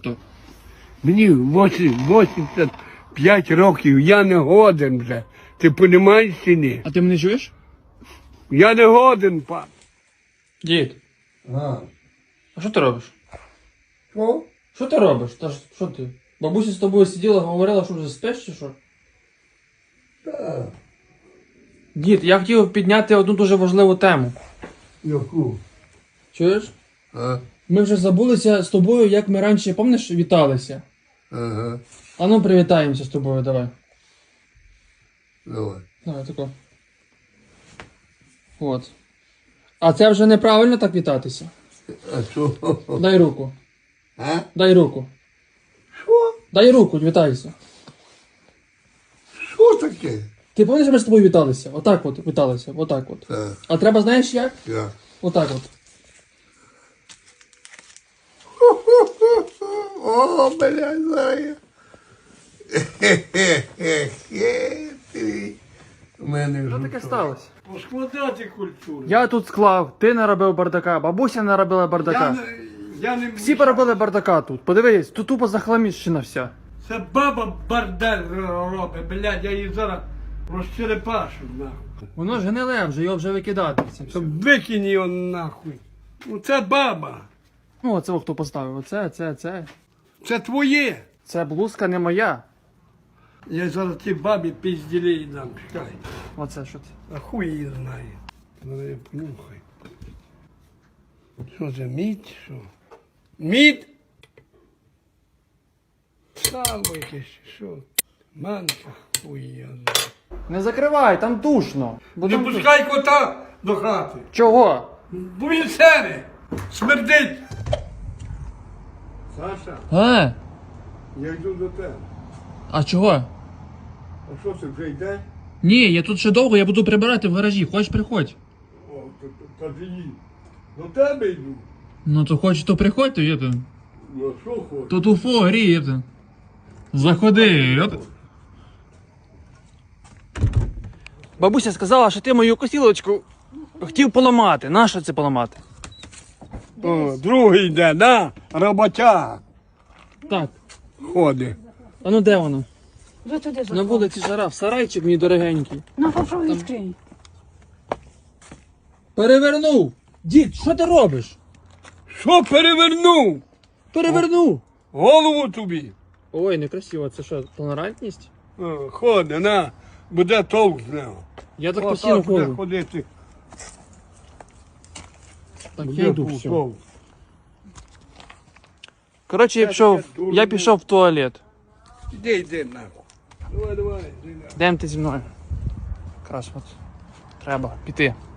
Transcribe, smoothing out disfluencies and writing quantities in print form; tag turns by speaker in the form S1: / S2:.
S1: Мені 85 років, я не годен вже. Ти розумієш чи ні?
S2: А ти мене чуєш?
S1: Я не годен, пан.
S2: Дід,
S1: А.
S2: а що ти робиш?
S1: Що?
S2: Що ти робиш? Що ти? Бабуся з тобою сиділа, говорила, що вже спиш чи що?
S1: Так.
S2: Дід, я хотів підняти одну дуже важливу тему.
S1: Яку?
S2: Чуєш?
S1: А?
S2: Ми вже забулися з тобою, як ми раніше, пам'ятаєш, віталися.
S1: Ага.
S2: А ну привітаємося з тобою, давай.
S1: Давай.
S2: Давай, тако. От. А це вже неправильно так вітатися.
S1: А що?
S2: Дай руку.
S1: А?
S2: Дай руку.
S1: Що?
S2: Дай руку, вітайся.
S1: Що таке?
S2: Ти пам'ятаєш, ми з тобою віталися? Отак от, віталися, отак от.
S1: Так.
S2: А треба, знаєш як?
S1: Я.
S2: Отак от.
S1: О, блядь, знаю. У мене
S2: Що таке сталося?
S1: Поскладати культуру.
S2: Я тут склав, ти наробив бардака, бабуся наробила бардака.
S1: Я не
S2: Всі поробили бардака тут. Подивись, тут тупо захламіщена вся.
S1: Це баба бардер робить, блядь, я її зараз розчерепашу, нахуй.
S2: Воно ж гниле вже, його вже викидати. Це все.
S1: Щоб викинь його нахуй. Ну це баба.
S2: Ну, оце хто поставив. Оце.
S1: Це твоє.
S2: Це блузка не моя.
S1: Я зараз ті бабі пізділі дам, чекай.
S2: Оце що це?
S1: А хуй її знає. Мене понюхай. Що це, мідь? Що? Мідь? Сало якесь, що? Манка, хуй я знаю.
S2: Не закривай, там душно.
S1: Не пускай кота до хати.
S2: Чого?
S1: Бо він сере, смердить. Саша, я йду до тебе.
S2: А чого?
S1: А що це вже йде?
S2: Ні, я тут ще довго, я буду прибирати в гаражі. Хочеш, приходь.
S1: О, тоді до тебе йду.
S2: Ну то хочеш, то приходь, то є.
S1: Ну а що хочеш?
S2: Тут уфо гріє. Заходи. Бабуся сказала, що ти мою косілочку хотів поламати. Нащо це поламати?
S1: О, другий йде, да? Роботяг
S2: Так.
S1: ходить.
S2: А ну де воно?
S3: Вже туди
S2: На
S3: заходь.
S2: вулиці жара, в сарайчик мій дорогенький.
S3: Ну, попробуй відкрий.
S2: Перевернув! Дід, що ти робиш?
S1: Що перевернув?
S2: Перевернув!
S1: Голову тобі.
S2: Ой, некрасиво, це що, толерантність?
S1: О, ходи, на, буде толк з нього.
S2: Я так
S1: О,
S2: постійно
S1: буде
S2: ходжу.
S1: ходити.
S2: Так,
S1: Буде
S2: я йду все.
S1: толк.
S2: Коротше, я пішов в туалет.
S1: Іди, нахуй. Давай, іди нахуй.
S2: Йдемо ти зі мною. Якраз от. Треба піти.